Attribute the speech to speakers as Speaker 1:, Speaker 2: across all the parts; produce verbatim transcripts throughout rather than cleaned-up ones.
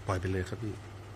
Speaker 1: ปล่อยไปเลยครับพี่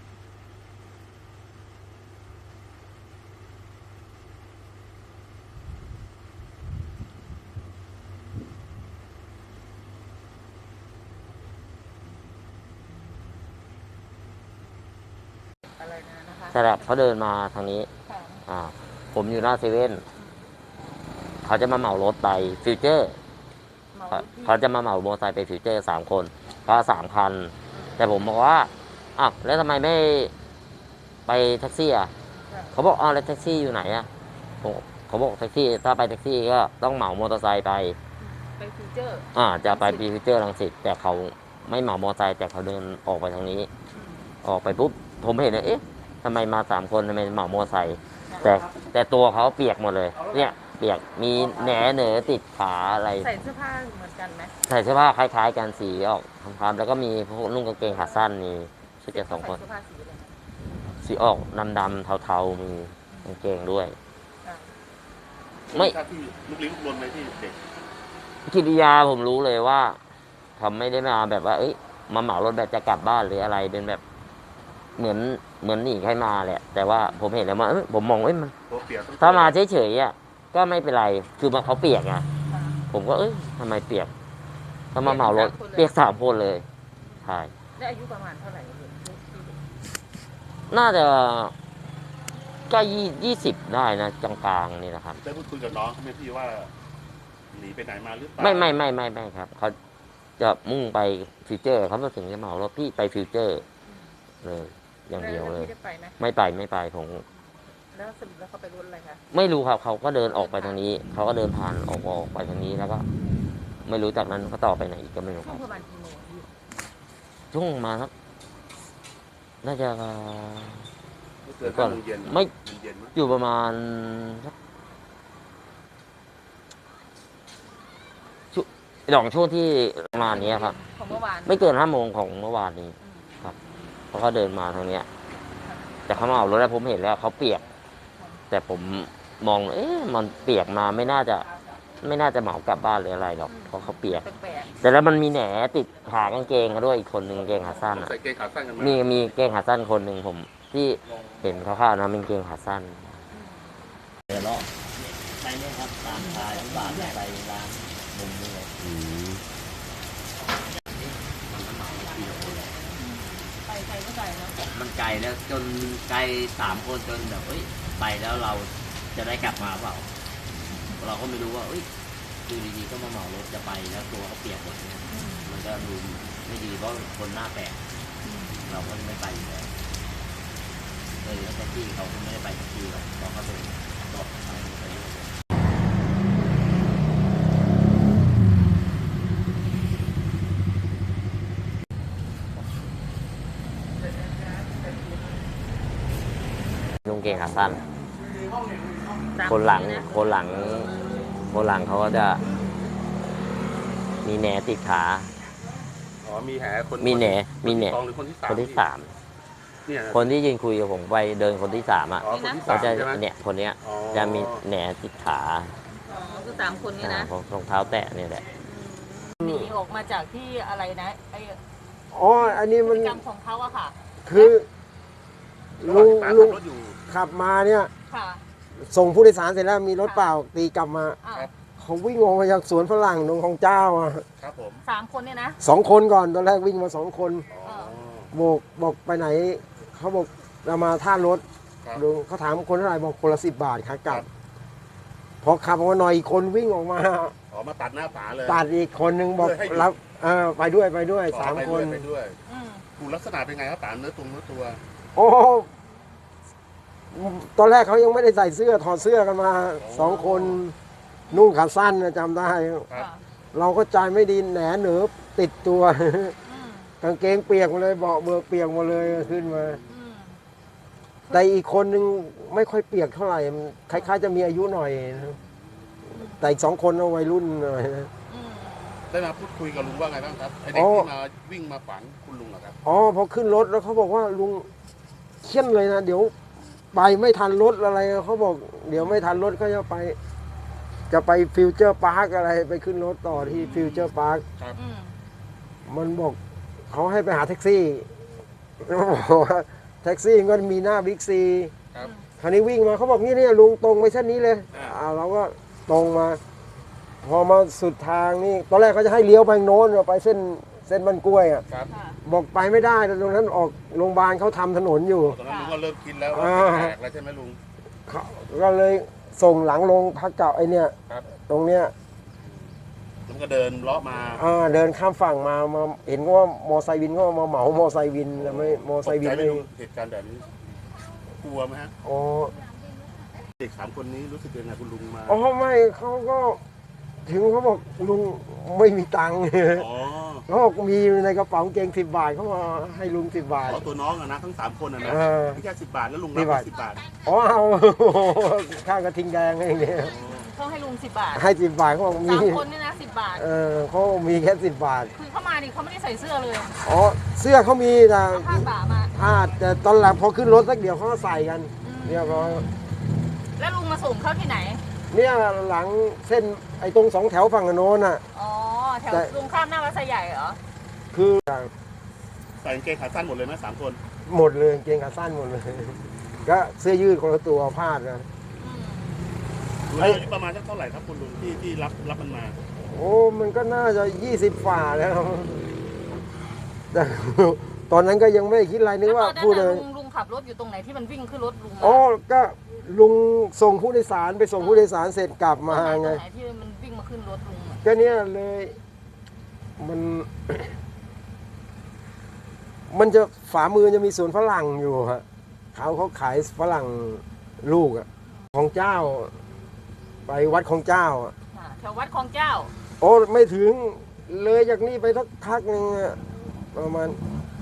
Speaker 2: อะไรนะนะคะ
Speaker 3: ใช่แล้วเขาเดินมาทางนี้
Speaker 2: ค่ะ
Speaker 3: อ่า ผมอยู่หน้าเซเว่นเขาจะมาเหมารถไปฟิวเจอร์
Speaker 2: เหมา
Speaker 3: เขา
Speaker 2: ที่
Speaker 3: เขาจะมาเหมามอเตอร์ไซค์ไปฟิวเจอร์สามคนก็สามคัน แต่ผมบอกว่าอ้าวแล้วทำไมไม่ไปแท็กซี่อ่ะ
Speaker 2: ค่ะ
Speaker 3: เขาบอกอ้าวแล้วแท็กซี่อยู่ไหนอ่ะผมเขาบอกแท็กซี่ถ้าไปแท็กซี่ก็ต้องเหมามอเตอร์ไซค์ไป
Speaker 2: ไปฟิวเจอร์
Speaker 3: อ่าจะไปฟิวเจอร์รังสิตแต่เขาไม่เหมามอเตอร์ไซค์แต่เขาเดินออกไปทางนี้ ออกไปปุ๊บผมเห็นเลยเอ๊ะทำไมมาสามคนทำไมเหมามอเตอร์ไซค์แต่แต่ตัวเขาเปียกหมดเลยเนี่ยเปียกมีแหนเหนอติดขาอะไร
Speaker 2: ใส่เสื้อผ้าเหมือนกันไหม
Speaker 3: ใส่เสื้อผ้าคล้ายๆกันสีออกคล้ำๆแล้วก็มีพวกนุ่งกางเกงขาสั้นมีชุดเดียวสองคน
Speaker 2: ใส่เสื้อผ้าสีอะไร
Speaker 3: สีออกดำๆเทาๆมีกางเกงด้วย
Speaker 2: ค่ะ
Speaker 3: ไม่
Speaker 1: ท่าที่ลุกลี้ลุกลนไหมที่เด็ก
Speaker 3: กิริยาผมรู้เลยว่าเขาไม่ได้มาแบบว่า เอ้ยมาเหมารถแบบจะกลับบ้านหรืออะไรเป็นแบบ เหมือนเหมือนหนีใครมาแหละแต่ว่าผมเห็นแล้วว่าเอ้ยผมมองเอ้ยมัน
Speaker 1: ตัวเปียก
Speaker 3: ถ้ามาเฉยๆอ่ะก็ไม่เป็นไรคือมาเขาเปียกไง
Speaker 2: ค่ะ
Speaker 3: ผมก็เอ้ยทำไมเปียกถ้ามาเหมารถเปียกสามคนเลยใช่
Speaker 2: ได้อายุประมาณเท่าไหร่เห็นที่ที่เห็น
Speaker 3: น่าจะก็ยี่ยี่สิบได้นะกลางๆนี่นะครับ
Speaker 1: ได้พูดคุยกับน้องเขาไหมพี่ว่าหนีไปไหนมาหรือเปล่า
Speaker 3: ไม่ไม่ไม่ไม่ไม่ครับเขาจะมุ่งไปฟิวเจอร์เขามาถึงจะเหมารถพี่ไปฟิวเจอร์เลยอย่างเดียวเลย
Speaker 2: แพี่ได้ไปไหม
Speaker 3: ไม่ไปไม่ไปผม
Speaker 2: แล้วสรุปแล้วเขาไปรถอะไรคะ
Speaker 3: ไม่รู้ครับเขาก็เดินออกไปทางนี้เขาก็เดินผ่านออกออกไปทางนี้แล้วก็ ไม่รู้จากนั้นเขาต่อไปไหนอีกก็ไม่รู้ค
Speaker 2: ช่ว
Speaker 3: รั
Speaker 2: ง
Speaker 3: บ
Speaker 2: ประมาณกี่โมงพี่
Speaker 3: ช่วงมาครับน่าจะ
Speaker 1: ไม่เกินห้าโมงเย็น
Speaker 3: ไม่
Speaker 1: เย็นๆมั้ย
Speaker 3: อยู่ประมาณสักช่วงหลองช่วงที่ประมาณนี้ครับ
Speaker 2: ของเมื่อวาน
Speaker 3: ไม่เกินห้าโมงของเมื่อวานนี้
Speaker 2: อืม
Speaker 3: เพราะเขาเดินมาทางเนี้ย แต่เขามาเอารถแล้วผมเห็นแล้วเขาเปียก แต่ผมมอง เอ๊ะมันเปียกมาไม่น่าจะ ไม่น่าจะเหมากลับบ้านหรืออะไรหรอกเพราะเขาเปียก
Speaker 2: แปลก
Speaker 3: แต่แล้วมันมีแหนติดขากางเกงเขาด้วยอีกคนหนึ่งกางเกงขาสั้นอะ
Speaker 1: ใส่เกงขาสั้นกันมา
Speaker 3: มีมีกางเกงขาสั้นคนหนึ่งผมที่เห็นเขาข้าวๆนะเป็นกางเกงขาสั้นเดี๋ยวเราไปเนี่ยครับตามทายบาทไปร้านมุมนี้เลย
Speaker 1: อืม
Speaker 2: ๆไปไกลก็ไกลเนาะ
Speaker 3: มันไกลแล้วจนไกลสามคนจนแบบเอ้ยไปแล้วเราจะได้กลับมาเปล่า เราก็ไม่รู้ว่าเอ้ยดูดีๆก็มาเหมารถจะไปแล้วตัวเขาเปียกหมดเนี่ยมันก็ดูไม่ดีเพราะคนหน้าแปลกเราก็ไม่ไปอยู่แล้วเลยแล้วแท็กซี่เขาก็ไม่ได้ไปแท็กซี่หรอกเพราะเขาเป็นรถไปไปเรื่อยลุงเก่งขาสั้น
Speaker 2: สาม
Speaker 3: คนหลัง
Speaker 2: นะ
Speaker 3: คนหลัง คนหลังเขาก็จะ มีแหนติดขา
Speaker 1: อ๋อมีแหคน
Speaker 3: มีแหนมีแหน
Speaker 1: คที่สองหรือคนที่สาม
Speaker 3: คนที่สาม
Speaker 1: เนี่ย
Speaker 3: คนที่ยืนคุยกับผมไปเดินคนที่สามอ่ะ
Speaker 1: อ๋อคนที่
Speaker 3: เขา
Speaker 1: สาม
Speaker 3: จะ
Speaker 1: ใช่ไหม
Speaker 3: เนี่ยคนเนี้ย
Speaker 1: อ๋อ
Speaker 3: จะมีแหนติดขา
Speaker 2: อ๋อคือสามคนนี้
Speaker 3: อ่า
Speaker 2: นะ
Speaker 3: รองเท้าแตะเนี่ยแหละ
Speaker 2: หนีออกมาจากที่อะไรนะไอ้
Speaker 4: อ๋อ อันนี้
Speaker 2: พฤ
Speaker 4: มัน
Speaker 2: ติกรรมของเขาอะค่ะ
Speaker 4: คือ
Speaker 1: ระหว่าง
Speaker 4: ลุง
Speaker 1: ที่ป้า
Speaker 4: ลุ
Speaker 1: ขั
Speaker 4: ง
Speaker 1: บรถอยู่
Speaker 4: ขับมาเนี่ย
Speaker 2: ค่ะ
Speaker 4: ส่งผู้โดยสารเสร็จแล้วมีรถเปล่าตีกลับมา
Speaker 2: อ่า
Speaker 1: ครับ
Speaker 4: เขาวิ่งออกมาจากสวนฝรั่งตรงของเจ้าอ่ะ
Speaker 1: ครับผม
Speaker 2: สามคนเนี่ยนะ
Speaker 4: สองคนก่อนตอนแรกวิ่งมาสองคน
Speaker 1: อ๋อ
Speaker 4: โบกบอกไปไหน เขาบอกเรามาท่ารถ
Speaker 1: ครับ
Speaker 4: ลุงเขาถามคนเท่าไหร่บอกคนละสิบบาทขากลั
Speaker 1: ครับ บ
Speaker 4: พอขับออกมาหน่อยอีกคนวิ่งออกมา
Speaker 1: อ๋อมาตัดหน้าป๋าเลย
Speaker 4: ตัดอีกคนนึงบอก
Speaker 1: เพื่อให้หยุด
Speaker 4: รับเออไปด้วยไปด้วย
Speaker 1: อ๋อ
Speaker 4: สาม
Speaker 1: ไป
Speaker 4: ค
Speaker 1: ด้วย
Speaker 4: น
Speaker 1: ไปด้วย
Speaker 2: อืม
Speaker 1: ถูกลักษณะเป็นไงครับป๋าเนื้อตรงเนื้อตัว
Speaker 4: โอ้ตอนแรกเขายังไม่ได้ใส่เสื้อถอดเสื้อกันมาสองคนนุ่งขาสั้นนะจำได้
Speaker 1: ครับ
Speaker 2: ค่ะ
Speaker 4: เราก็ใจไม่ดีแหนเหนือติดตัว
Speaker 2: อืม
Speaker 4: กางเกงเปียกหมาเลยเบาะเบิกเปียกหมาเลยขึ้นมา
Speaker 2: อืม
Speaker 4: แต่อีกคนนึงไม่ค่อยเปียกเท่าไหร่มันคล้ายๆจะมีอายุหน่อยนะแต่อีกสองคนเอาวัยรุ่นหน่อยนะ
Speaker 2: อืม
Speaker 1: ได้มาพูดคุยกับลุงว่าไงบ้างครับไอเด็ก
Speaker 4: อ๋อ
Speaker 1: ที่มาวิ่งมาฝังคุณลุงเหรอครับ
Speaker 4: อ๋อพอขึ้นรถแล้วเขาบอกว่าลุงเขี้ยนเลยนะเดี๋ยวไปไม่ทันรถอะไรเขาบอก เดี๋ยวไม่ทันรถก็จะไป จะไปฟิวเจอร์พาร์คอะไรไปขึ้นรถต่อที่ฟิวเจอร์พาร์ค
Speaker 2: อืม
Speaker 4: มันบอกเขาให้ไปหาแท็กซี่บอกว่าแท็กซี่ก็มีหน้าบิ๊กซี
Speaker 1: ครับ
Speaker 4: คราวนี้วิ่งมาเขาบอกนี่เนี่ยลุงตรงไปเส้นนี้เลย
Speaker 1: อ่า
Speaker 4: อ่าเราก็ตรงมา พอมาสุดทางนี่ตอนแรกเขาจะให้เลี้ยวไปโน้นไปเส้นเส้นบ้านกล้วยอ่ะ
Speaker 1: ครับ
Speaker 2: ค่ะ
Speaker 4: บอกไปไม่ได้ตรงนั้นออกโรงพยาบาลเขาทำถนนอยู่
Speaker 1: ตอนนั้นลุงก็เริ่มคิดแล้วว่า
Speaker 4: อ่า
Speaker 1: แตกแล้วใช่ไหมลุง
Speaker 4: เขาก็เลยส่งหลังลงพักเก่าไอเนี่ย
Speaker 1: ครับ
Speaker 4: ตรงเนี้ย
Speaker 1: มันก็เดินเลาะมา
Speaker 4: อ่าเดินข้ามฝั่งมามาเห็นว่ามอไซค์วินก็มาเหมามอไซค์วินแล้วไม่มอ
Speaker 1: ต
Speaker 4: ไซ
Speaker 1: ก
Speaker 4: ค์วิ
Speaker 1: ใจ
Speaker 4: น
Speaker 1: ไหม
Speaker 4: ไม่
Speaker 1: ลุงเหตุการณ์แบบนี้กลัวไหมฮะ
Speaker 4: อ๋อ
Speaker 1: เด็กสามคนนี้รู้สึกยังไงคุณลุงมา
Speaker 4: อ๋อไม่เขาก็ถึงเขาบอกลุงไม่มีตังค์
Speaker 1: อ๋อ
Speaker 4: เขาบอกมีในกระเป๋าเกงสิบบาทเขามาให้ลุงสิบบาท
Speaker 1: ขอตัวน้องอะนะทั้งสามคนอะนะ
Speaker 4: เออ
Speaker 1: แค่สิบบาทแล้วลุง
Speaker 4: สิ
Speaker 1: รับ
Speaker 4: บบาท
Speaker 1: สิบบาท
Speaker 4: อ๋อเอา ข้างกระทิงแดงเองเนี่ย
Speaker 2: เขาให้ลุงสิบบาท
Speaker 4: ให้สิบบาทเขาบอกมี
Speaker 2: สามคนเนี่ยนะสิบบาท
Speaker 4: เออเขามีแค่สิบบาท
Speaker 2: คือเข้ามานี่เขาไม่ได้ใส่เสื้อเลย
Speaker 4: อ๋อเสื้อเขามีแต่
Speaker 2: เอาผ้าบ่ามา
Speaker 4: ผ้าแต่ตอนหลังพอขึ้นรถสักเดี๋ยวเขาก็ใส่กัน
Speaker 2: อืม
Speaker 4: เรียบร้อย
Speaker 2: แล้วลุงมาส่งเขาที่ไหน
Speaker 4: เนี่ยหลังเส้นไอ้ตรงสองแถวฝั่งโน้นน่ะ
Speaker 2: อ๋อ แถว
Speaker 4: แต่
Speaker 2: ลุงข้ามหน้าวัดไซใหญ่เหรอ
Speaker 4: คือ
Speaker 1: ใส่กางเกงขาสั้นหมดเลยไหมสามคน
Speaker 4: หมดเลยเกงขาสั้นหมดเลย ก็เสื้อยืดคนละตัวพาดกัน
Speaker 2: อืม
Speaker 1: ลุง
Speaker 4: ไอ้
Speaker 1: อายุประมาณสักเท่าไหร่ครับคุณลุงที่ที่รับรับมันมา
Speaker 4: โอ้มันก็น่าจะยี่สิบฝ่าแล้วแต่ ตอนนั้นก็ยังไม่ได้คิดอะไรนึกว่า
Speaker 2: แล้วตอนนั้น
Speaker 4: พูดเล
Speaker 2: น่ะ
Speaker 4: ย
Speaker 2: ลุงลุงขับรถอยู่ตรงไหนที่มันวิ่งขึ้นรถลุงมา
Speaker 4: อ๋อก็ลุงส่งผู้โดยสารไปส่งผู้โดยสารเสร็จกลับมา
Speaker 2: ตรง
Speaker 4: ไง
Speaker 2: ไหนที่มันวิ่งมาขึ้นรถลุงอะ
Speaker 4: ก็เนี่ยเลยมัน มันจะฝามือจะมีสวนฝรั่งอยู่ฮะเขาเขาขายฝรั่งลูกอะของเจ้า ไปวัดของเจ้าอะ
Speaker 2: ค่ะแถววัดคลองเจ้า
Speaker 4: โอ้ไม่ถึงเลยจากนี่ไปสักพักหนึ่งอะประมาณ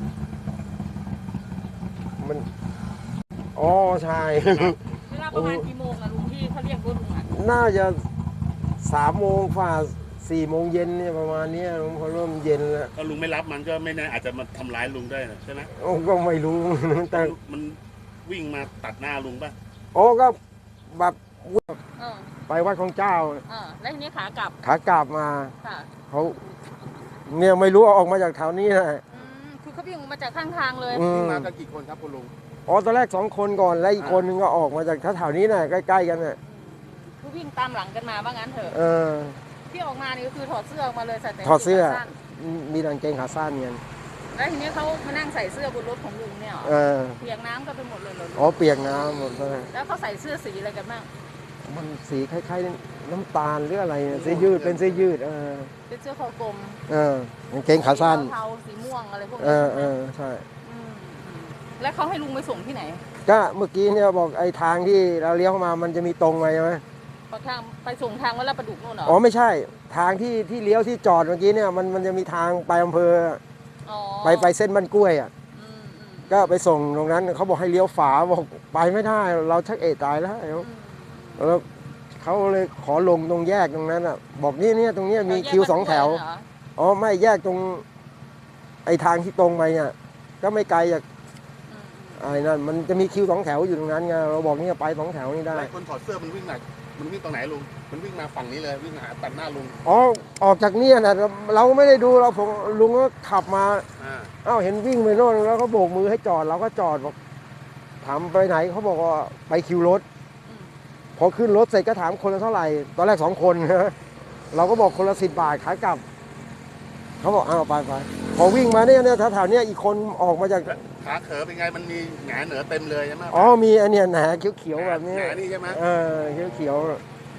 Speaker 4: มันอ๋อใช่
Speaker 2: เวลาประมาณกี่โมงอะลุงที่เขาเรียกรถลุงอะ
Speaker 4: น่าจะสามโมงฝ่าสี่โมงเย็นเนี่ยประมาณเนี้ยพอเริ่มเย็นแล้ว
Speaker 1: ถ้าลุงไม่รับมันก็ไม่แน่อาจจะมาทำร้ายลุงได้นะใช่ไหม
Speaker 4: โอ้ก็ไม่รู้ แต่
Speaker 1: มันวิ่งมาตัดหน้าลุงป่ะ
Speaker 4: โอ้ก็แบบ
Speaker 2: เออ
Speaker 4: ไปวัดของเจ้า
Speaker 2: เออแล้วทีนี้ขากลับ
Speaker 4: ขากลับมา
Speaker 2: ค่ะ
Speaker 4: เขาเนี่ยไม่รู้ว่าออกมาจากแถวนี้นะ
Speaker 2: อืมคือเขาวิ่งมาจากข้างทางเลย
Speaker 4: อื
Speaker 1: วิ่ง
Speaker 4: ม
Speaker 1: มากันกี่คนครับคุณลุง
Speaker 4: อ๋อตอนแรกสองคนก่อนแล้วอีกคนนึงก็ออกมาจากแถวๆนี้น่ะใกล้ๆกันน่ะ
Speaker 2: คือวิ่งตามหลังกันมาว่างั้นเถอะ
Speaker 4: เออ
Speaker 2: ที่ออกมานี่ก็คือถอดเสื้อออกมาเลยใส่แต่
Speaker 4: ถอดเสื้อ
Speaker 2: ขาสั้น
Speaker 4: มีกางเกงขาสั้นกัน
Speaker 2: แล้วทีนี้เขามานั่งใส่เสื้อบนรถของลุงเนี่ยเหรอ
Speaker 4: เออ
Speaker 2: เปียกน้ำกันไปหมดเลยเหรอ
Speaker 4: อ๋อเปียกน้ำหมดเลย
Speaker 2: แล้วเขาใส่เสื้อสีอะไรกันบ้าง
Speaker 4: มันสีคล้ายๆน้ำตาลหรืออะไรเนี่ยเสื้อยืดเป็นเสื้อยืด เออ
Speaker 2: เป็นเสื้อคอกลม
Speaker 4: เออกางเกงขาสั้น
Speaker 2: สีเทาๆสีม่วงอะไรพวก
Speaker 4: เอ
Speaker 2: นี้
Speaker 4: อเออใช่
Speaker 2: มอืมแล้วเขาให้ลุงไปส่งที่ไหน
Speaker 4: ก็เมื่อกี้เนี่ยบอกไอ้ทางที่เราเลี้ยวเข้ามามันจะมีตรงไปใช่ไหม
Speaker 2: ปากทางไปส่งทางวัดลาดประดุกนู่นเหรอ
Speaker 4: อ๋อไม่ใช่ ทางที่ที่เลี้ยวที่จอดเมื่อกี้เนี่ยมันมันจะมีทางไปอำเภอ
Speaker 2: อ๋อ
Speaker 4: ไปไปเส้นบ้านกล้วยอ่ะ
Speaker 2: อืมอืม
Speaker 4: ก็ไปส่งตรงนั้นเขาบอกให้เลี้ยวฝาบอกไปไม่ได้ เราชักเอะตายแล้ว
Speaker 2: อืม
Speaker 4: แล้วเขาเลยขอลงตรงแยกตรงนั้นอ่ะ บอกนี่เนี่ยตรงเนี้ยมีคิวสองแถว
Speaker 2: เหรอ
Speaker 4: อ๋อไม่แยกตรงไอ้ทางที่ตรงไปเนี่ยก็ไม่ไกลจาก
Speaker 2: อืม
Speaker 4: ไอ้นั่นมันจะมีคิวสองแถวอยู่ตรงนั้นไงเราบอกเนี่ยไปสองแถวนี่ได้
Speaker 1: หลายคนถอดเสื้อมันวิ่งไหนมันวิ่งตรงไหนลุง มันวิ่งมาฝั่งนี้เลยวิ่งหาตัดหน้าลุง
Speaker 4: อ๋อออกจากเนี่ยนะเราไม่ได้ดูเราผมลุงก็ขับมา
Speaker 1: อ่า
Speaker 4: เอ้าเห็นวิ่งไปโน่นแล้วก็โบกมือให้จอดเราก็จอดบอกถามไปไหนเขาบอกว่าไปคิวรถ
Speaker 2: อืม
Speaker 4: พอขึ้นรถเสร็จก็ถามคนละเท่าไหร่ ตอนแรกสองคนนะเราก็บอกคนละสิบบาทขายกลับเขาบอกอ้าวไปไปพอวิ่งมาเนี่ยเนี่ยแถวๆเนี้ยอีกคนออกมาจาก
Speaker 1: ขาเขอเป็นไงมันมีแหงเหนือเต็มเลยใช่ไหม
Speaker 4: อ๋อมีอันเนี้ยแหนเขียวๆแบบนี้
Speaker 1: แหงนี่ใช่ไหม
Speaker 4: เออเขียวๆ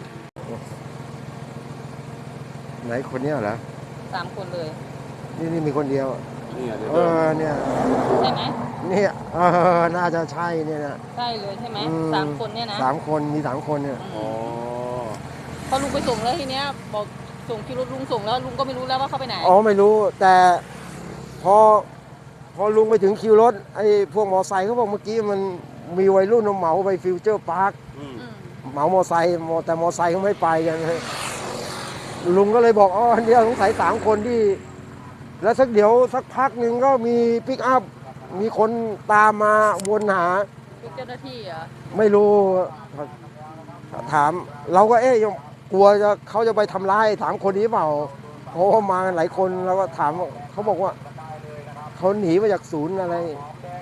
Speaker 4: ไหนคนเนี้ยเหรอ
Speaker 2: สามคนเลย
Speaker 4: นี่นี่มีคนเดียว
Speaker 1: นี่เดี๋ยว
Speaker 4: เออเนี่ย
Speaker 2: ใช่ไหม
Speaker 4: เนี่ยเออน่าจะใช่เนี่ยนะ
Speaker 2: ใช่เลยใช่ไหม
Speaker 4: อื
Speaker 2: สามคนเนี่ยนะ
Speaker 4: สามคนมีสามคนเนี่ย
Speaker 2: อื
Speaker 1: อ๋อ
Speaker 2: มพอลุงไปส่งแล้วทีเนี้ยบอกส่งคิวรถลุงส่งแล้วลุงก็ไม่รู้แล้วว่าเขาไปไหน
Speaker 4: อ๋อไม่รู้แต่พอพอลุงไปถึงคิวรถไอ้พวกมอไซค์เขาบอกเมื่อกี้มันมีวัยรุ่นเอาเหมาไปฟิวเจอร์พาร์ค
Speaker 1: อืม
Speaker 2: อืม
Speaker 4: เหมามอไซค์มอแต่มอไซค์เขาไม่ไปกันลุงก็เลยบอกอ๋อเนี่ยสงสัยสามคนที่ แล้วสักเดี๋ยวสักพักหนึ่งก็มีปิกอัพมีคนตามมาวนหา
Speaker 2: เป็นเจ้าหน้าที่เหรอ
Speaker 4: ไม่รู้ถาม เราก็เอ๊ะยังกลัวจะเขาจะไปทำร้ายถามคนนี้เปล่าเพราะว่ามากันหลายคนเราก็ถามเขาบอกว่าเขาหนีมาจากศูนย์อะไร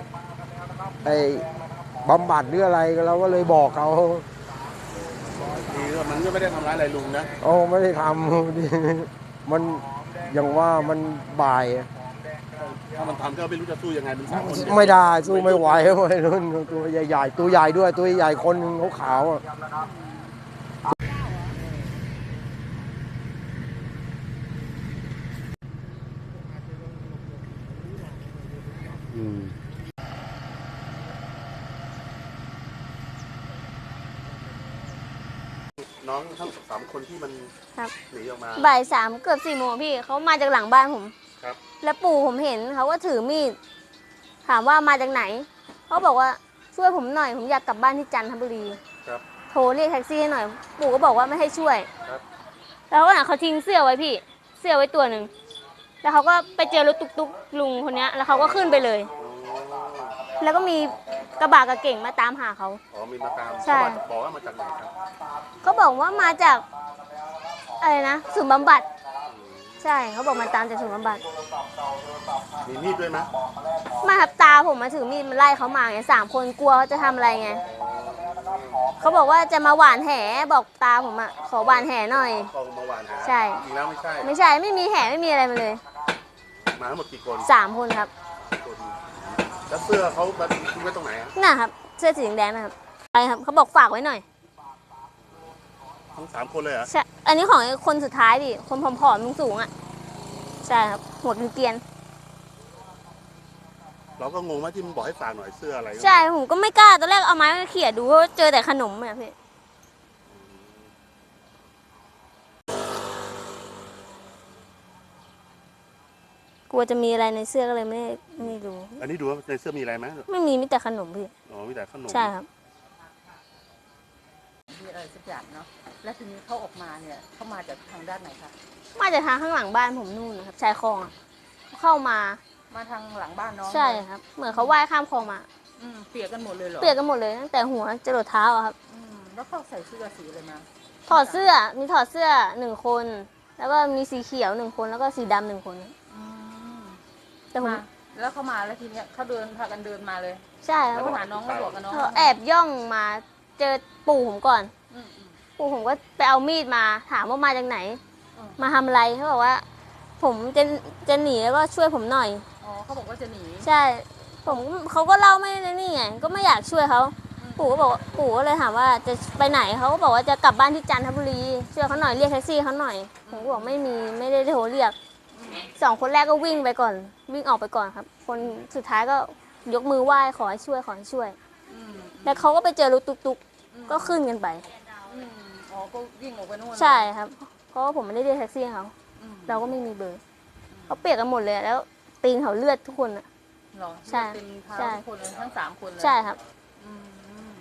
Speaker 4: ไอ้บำบัดหรืออะไรเราก็เลยบอกเขา
Speaker 1: ทีก็มันก็ไม่ได้ทำร้ายอะไรลุงนะ
Speaker 4: โอ้ไม่ได้ทำ มันอย่างว่ามันบ่าย
Speaker 1: ถ้ามันทำก็ไม่รู้จะสู้ยังไงมันสามคน
Speaker 4: ไม่ได้สู้ไม่ไหววัยรุ่นตัวใหญ่ๆตัวใหญ่ด้วยตัวใหญ่คนหนึ่งขาวๆอะ
Speaker 1: อืมน้องทั้งสามคนที่มัน
Speaker 5: ครับ
Speaker 1: หนีออกมา
Speaker 5: บ่ายสามเกือบสี่โมงพี่เขามาจากหลังบ้านผม
Speaker 1: ครับ
Speaker 5: แล้วปู่ผมเห็นเขาก็ถือมีดถามว่ามาจากไหนเขาบอกว่าช่วยผมหน่อยผมอยากกลับบ้านที่จันทบุรี
Speaker 1: ครับ
Speaker 5: โทรเรียกแท็กซี่ให้หน่อย ปู่ก็บอกว่าไม่ให้ช่วย
Speaker 1: ครับ
Speaker 5: แล้วก็เขาทิ้งเสื้อไว้พี่เสื้อไว้ตัวหนึ่งแล้วเขาก็ไปเจอรถตุ๊กๆลุงคนนี้แล้วเขาก็ขึ้นไปเลย
Speaker 1: อ๋อ
Speaker 5: แล้วก็มีกระบะกับเก่งมาตามหาเขา
Speaker 1: อ๋อมีมาตาม
Speaker 5: ใช่
Speaker 1: เขาบอกว่ามาจากไหนครับ
Speaker 5: เขาบอกว่ามาจากอะไรนะศูนย์บำบัดใช่เขาบอกมาตามจากศูนย์บำบัด
Speaker 1: มีมีดด้วยไหม
Speaker 5: มาครับตาผมมาถือมีดมันไล่เขามาไงสามคนกลัวเขาจะทำอะไรไงเขาบอกว่าจะมาหวานแหบอกตาผมอ่ะขอหวานแหหน่อย
Speaker 1: กองมาหวานหา
Speaker 5: ใช่
Speaker 1: จริงแล้วไม่ใช่
Speaker 5: ไม่ใช่ไม่มีแหไม่มีอะไรมาเลย
Speaker 1: มาทั้งหมดกี่คน
Speaker 5: สามคนครับ
Speaker 1: คนแล้วเสื้อเขามาทิ้งไว้ตรงไหนอะ
Speaker 5: น่ะครับเสื้อสีแดงๆนะครับไปครับเขาบอกฝากไว้หน่อย
Speaker 1: ทั้งสามคนเลยเหรอ
Speaker 5: ใช่อันนี้ของไอ้คนสุดท้ายดิคนผอมๆสูงๆอ่ะใช่ครับหัวเกรียน
Speaker 1: เราก็งงว่าที่มันบอกให้ฝากหน่อยเสื้ออะไร
Speaker 5: ๆใช่ผมก็ไม่กล้าตอนแรกเอาไม้มาเขี่ยดูเพราะว่าเจอแต่ขนมอะพี่กลัวจะมีอะไรในเสื้อก็เลยไม่ได้ไม่รู้
Speaker 1: อันนี้ดูว่าในเสื้อมีอะไรไหม
Speaker 5: ไม่มีมีแต่ขนมพี่
Speaker 1: อ๋อมีแต่ขนม
Speaker 5: ใช่ครับ
Speaker 2: มีอะไรสักอย่างเนาะแล้วทีนี้เขาออกมาเนี่ยเขามาจากทางด้านไหนคะ
Speaker 5: มาจากทางข้างหลังบ้านผมนู่นนะครับชายคลองอะเข้ามา
Speaker 2: มาทางหลังบ้านน้อง
Speaker 5: ใช่ครับ เหมือนเขาว่ายข้ามคลองมา
Speaker 2: อืมเปียกกันหมดเลยเหรอ
Speaker 5: เปียกกันหมดเลยตั้งแต่หัวจรดเท้าอะครับ
Speaker 2: อืมแล้วเขาใส่เสื้อสีอะไรมา
Speaker 5: ถอดเสื้อมีถอดเสื้อหนึ่งคน แล้วก็มีสีเขียวหนึ่งคนแล้วก็สีดำหนึ่งคน
Speaker 2: อืม
Speaker 5: แต่ผม
Speaker 2: มาแล้วเขามาแล้วทีเนี้ยเขาเดินพากันเดินมาเลย
Speaker 5: ใช่ค
Speaker 2: แล้
Speaker 5: รั
Speaker 2: ว
Speaker 5: บ
Speaker 2: ก็หาน้องแล้วบอกกับน้อง
Speaker 5: เขาแอบย่องมาเจอปู่ผมก่อน
Speaker 2: อืมอืม
Speaker 5: ปู่ผมก็ไปเอามีดมาถามว่ามาจากไหน
Speaker 2: อืม
Speaker 5: มาทำอะไรเขาบอกว่า ผมจะจะหนีแล้วก็ช่วยผมหน่อย
Speaker 2: อ๋อเขาบอกว่าจะหนี
Speaker 5: ใช่ ผมเขาก็เล่าไม่ได้นี่ไงก็ไม่อยากช่วยเขา
Speaker 2: อืม
Speaker 5: ปู่ก็บอกว่าปู่ก็เลยถามว่าจะไปไหนเขาก็บอกว่าจะกลับบ้านที่จันทบุรีช่วยเขาหน่อยเรียกแท็กซี่เขาหน่อยผมก็บอกไม่มีไม่ได้โทรเรียกสองคนแรกก็วิ่งไปก่อน วิ่งออกไปก่อนครับ คนสุดท้ายก็ยกมือไหว้ขอให้ช่วยขอให้ช่วย
Speaker 2: อืม
Speaker 5: แล้วเขาก็ไปเจอรถตุ๊กๆก็ขึ้นกันไป
Speaker 2: อืมอ๋อก็วิ่งออกไปนู่นเลย
Speaker 5: ใช่ครับ เพราะว่าผมไม่ได้เรียกแท็กซี่ให้เขา
Speaker 2: อืม
Speaker 5: เราก็ไม่มีเบอร์เขาเปียกกันหมดเลยแล้วตีนเขาเลือดทุกคนอะ
Speaker 2: เหรอ
Speaker 5: ใช่
Speaker 2: เต็มเท้า
Speaker 5: ใช่
Speaker 2: ทุกคนเลยทั้งสามคนเลย
Speaker 5: ใช่ครับ
Speaker 2: อืม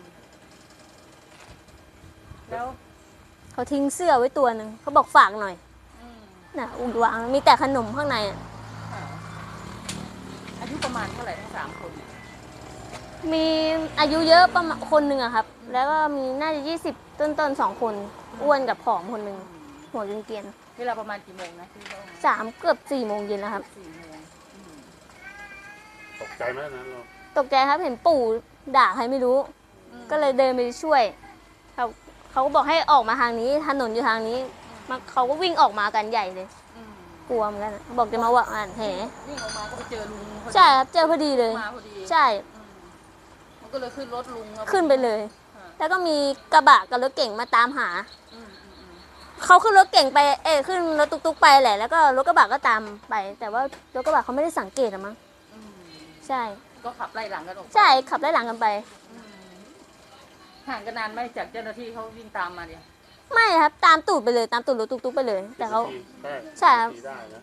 Speaker 2: แล้ว
Speaker 5: เขาทิ้งเสื้อไว้ตัวหนึ่งเขาบอกฝากหน่อย
Speaker 2: อืม
Speaker 5: น่ะอุ่นวางมีแต่ขนมข้างในอะ
Speaker 2: ค่ะอายุประมาณเท่าไหร่ทั้งสามคนเนี่ย
Speaker 5: มีอายุเยอะประมาณคนหนึ่งอะครับ แล้วก็มีน่าจะยี่สิบต้นๆสองคนอ้วนกับผอมคนหนึ่งหัวเกรียน
Speaker 2: เวลาประมาณกี่โมงนะที่เรา
Speaker 5: ๆสามเกือบสี่โมงเย็นแล้วครับ
Speaker 2: สี่โมงอืม
Speaker 1: ตกใจไหมนะเรา
Speaker 5: ตกใจครับเห็นปู่ด่าใครไม่รู้ ก็เลยเดินไปช่วยเขาเขาก็บอกให้ออกมาทางนี้ถนนอยู่ทางนี้มาเขาก็วิ่งออกมากันใหญ่เลย
Speaker 2: อืม
Speaker 5: กลัวเหมือนกันอะบอกจะมาว่าอ่านแห
Speaker 2: วิ่งออกมาก็ไปเจอลุงพอดี
Speaker 5: ใช่ครับเจอพอดีเลย
Speaker 2: มาพอดี
Speaker 5: ใช่
Speaker 2: อืมมันก็เลยขึ้นรถลุงแล้ว
Speaker 5: ขึ้นไปเลย
Speaker 2: ค่ะ
Speaker 5: แล้วก็มีกระบะกับรถเก่งมาตามหา
Speaker 2: อืมอืมอืม
Speaker 5: เขาขึ้นรถเก่งไปเอ้ยขึ้นรถตุ๊กๆไปแหละแล้วก็รถกระบะก็ตามไป แต่ว่ารถกระบะเขาไม่ได้สังเกตอะมั้ง
Speaker 2: อืม
Speaker 5: ใช่
Speaker 2: ก็ขับไล่หลังกันออกไป
Speaker 5: ใช่ขับไล่หลังกันไป
Speaker 2: อืมห่างกันนานไหมจากเจ้าหน้าที่เขาวิ่งตามมาเนี่ย
Speaker 5: ไม่ครับตามตูดไปเลยตามตูดรถตุ๊กๆไปเลย แต่เขา
Speaker 1: ได้
Speaker 5: ใช่ครับ
Speaker 1: ได้นะ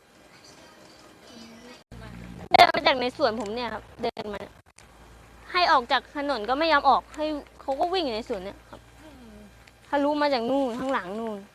Speaker 5: เดินมาจากในสวนผมเนี่ยครับเดินมา ให้ออกจากถนนก็ไม่ยอมออกให้เขาก็วิ่งอยู่ในสวนเนี่ยครับทะลุมาจากนู่นข้างหลังนู่น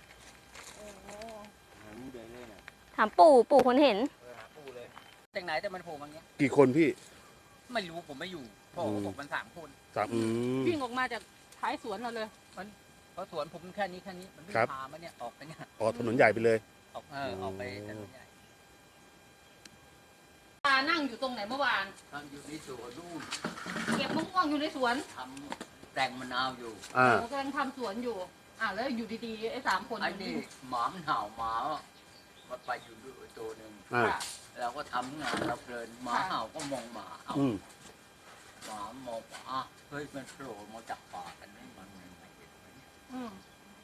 Speaker 5: ถามปู่ปู่คนเห็น
Speaker 6: จากไหนแต่มันโผล่มาอย่างเงี้ย
Speaker 1: กี่คนพี่
Speaker 6: ไม่รู้ผมไม่อยู่พ่อ
Speaker 1: อืม
Speaker 6: ผมมันสามคน
Speaker 1: สามอืม
Speaker 2: วิ่งออกมาจากท้ายสวนเราเลย
Speaker 6: เพราะสวนผมแค่นี้แค่นี้มันวิ่
Speaker 1: ครับ
Speaker 6: งพามาเนี่ยออกไปเนี่ย
Speaker 1: ออกถนนใหญ่ไปเลย
Speaker 6: ออกเออออกไปถนนใหญ่
Speaker 2: ตานั่งนั่งอยู่ตรงไหนเมื่อวาน
Speaker 6: ทำอยู่ในสวนนู่น
Speaker 2: เก็บมะม่วงอยู่ในสวน
Speaker 6: ทำแต่งมะนาวอยู่
Speaker 1: อ่า
Speaker 2: หนูกำลังทำสวนอยู่อ่ะแล้วอยู่ดีๆไอ้สามคน
Speaker 6: ไอ้นี่หมามันเห่าหมามันไปอยู่ด้วยตัวหนึ่ง
Speaker 1: อ่า
Speaker 2: ค่ะ
Speaker 6: เราก็ทำงานเราเพลินหมาเห่าก็มองหมาเอา
Speaker 1: อืม
Speaker 6: หมามองว่าอ่ะเฮ้ยมันโผล่มาจากป่ากันนี่มันไม่เห็นไหม
Speaker 2: อืม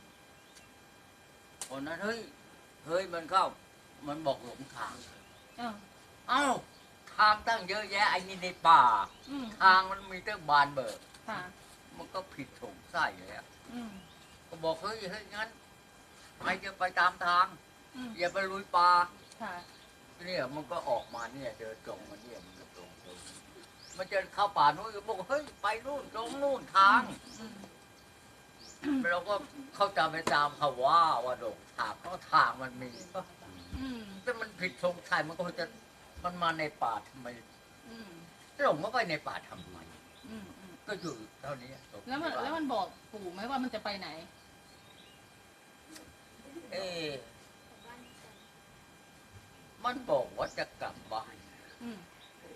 Speaker 6: คนนั้นเฮ้ยเฮ้ยมันเข้า มันบอกหลงทาง
Speaker 2: เออ
Speaker 6: เอ้าทางตั้งเยอะแยะไอ้นี่ในป่า
Speaker 2: อืม
Speaker 6: ทางมันมีตั้งบานเบิก
Speaker 2: ค่ะ
Speaker 6: มันก็ผิดสงสัยเลยอะ
Speaker 2: อืม
Speaker 6: ก็บอกเฮ้ยเฮ้ยงั้นไปจะไปตามทาง
Speaker 2: อืม
Speaker 6: อย่าไปลุยป่า
Speaker 2: ค่ะ
Speaker 6: เนี่ยมันก็ออกมาเนี่ยเดินตรงมาเนี่ยมันก็ตรงตรงมันจะเข้าป่านู้นก็บอกเฮ้ยไปนู่นตรงนู่นทาง
Speaker 2: อืม
Speaker 6: เราก็เข้าใจไปตามเขาว่าว่าดงทางเพราะทางมันมี
Speaker 2: อืม
Speaker 6: แต่มันผิดสงสัยมันก็จะมันมาในป่าทำไม
Speaker 2: อืม
Speaker 6: หลงมาไปในป่าทำไม
Speaker 2: อืมอืม
Speaker 6: ก็อยู่เท่านี้
Speaker 2: แล้วมันแล้วมันบอกปู่ไหมว่ามันจะไปไหน
Speaker 6: เอ๊ะมันบอกว่าจะกลับบ้าน
Speaker 2: อืม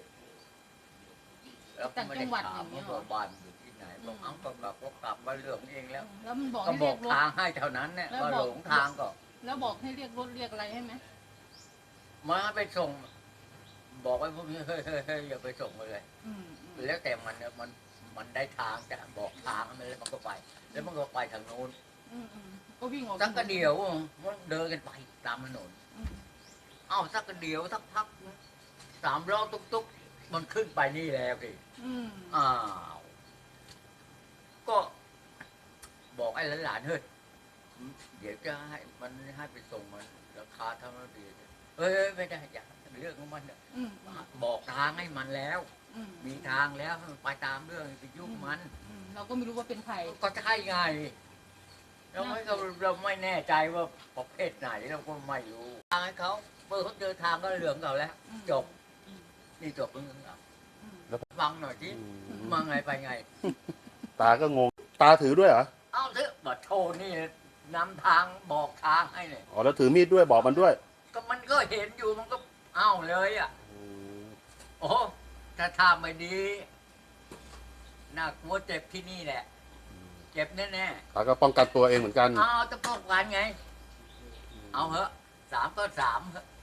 Speaker 6: แล้วก็ไม่ได้ถาม
Speaker 2: ต่างจังหวัดอย่างเงี้
Speaker 6: ว่าย
Speaker 2: เหรอ
Speaker 6: บ้านอยู่ที่ไหนบอกเอ้าก็กลับก็กลับมาเรื่องเองแล้ว
Speaker 2: แล้วมันบอก
Speaker 6: ก็
Speaker 2: ให้
Speaker 6: บ
Speaker 2: เรี
Speaker 6: อย ก
Speaker 2: กรถ
Speaker 6: ทางให้เท่านั้นเนี่ย
Speaker 2: แล้ว
Speaker 6: ว่า
Speaker 2: บอก
Speaker 6: หลงทางก็
Speaker 2: แล้วบอกให้เรียกรถเรียกอะไรให้ไหม
Speaker 6: มาไปส่ง บอกไว้พวกนี้เฮ้ยเฮ้ยเฮ้ยอย่าไปส่งมาเลย
Speaker 2: อืมอืม
Speaker 6: แล้วแต่มันเนี่ยมันมันได้ทางจะบอกทางมันแล้วมันก็ไป แล้วมันก็ไปทางโน้น
Speaker 2: อืมอืมก็วิ่งออก
Speaker 6: สักกระเดียวมันเดินกันไปตามถนน
Speaker 2: อืม
Speaker 6: เอ้าสักกระเดียวสักพักสามล้อตุ๊กตุ๊กมันขึ้นไปนี่แล้วดิ
Speaker 2: อืม
Speaker 6: อ้าว ก็บอกไอ้หลานๆเฮ้ยเดี๋ยวจะให้มันให้ไปส่งมันราคาเท่านั้นดีเฮ้ยไม่ได้อย่าเรื่องของมันเนี่ย
Speaker 2: อืม
Speaker 6: บอกทางให้มันแล้ว
Speaker 2: อืม
Speaker 6: มีทางแล้วให้มันไปตามเรื่องไปยุ่งมัน
Speaker 2: อืมเราก็ไม่รู้ว่าเป็นใคร
Speaker 6: ก็ใช่ไงเราไม่เราเราไม่แน่ใจว่าประเภทไหนเราก็ไม่รู้ทางให้เขาเมื่อเขาเจอทางก็เหลืองเขาแล้ว
Speaker 2: อืม
Speaker 6: จบ นี่จบเรื่องเรา
Speaker 2: อืม
Speaker 6: ฟังหน่อยที่มาไงไปไง
Speaker 1: ตาก็งง ตาถือด้วยเหรอ
Speaker 6: เอาเถอะบัดโทนี่นำทางบอกทางให้เนี่ย
Speaker 1: อ๋อแล้วถือมีดด้วยบอกมันด้วย
Speaker 6: ก็มันก็เห็นอยู่มันก็เอาเลยอ่ะ โอ้ถ้าทำไม่ดีน่ากลัวเจ็บที่นี่แหละ เจ็บแน่
Speaker 1: ตาก็ป้องกันตัวเองเหมือนกัน
Speaker 6: ๆเอาจะป้องกันไง เอาเหอะสามก็สามเหอะ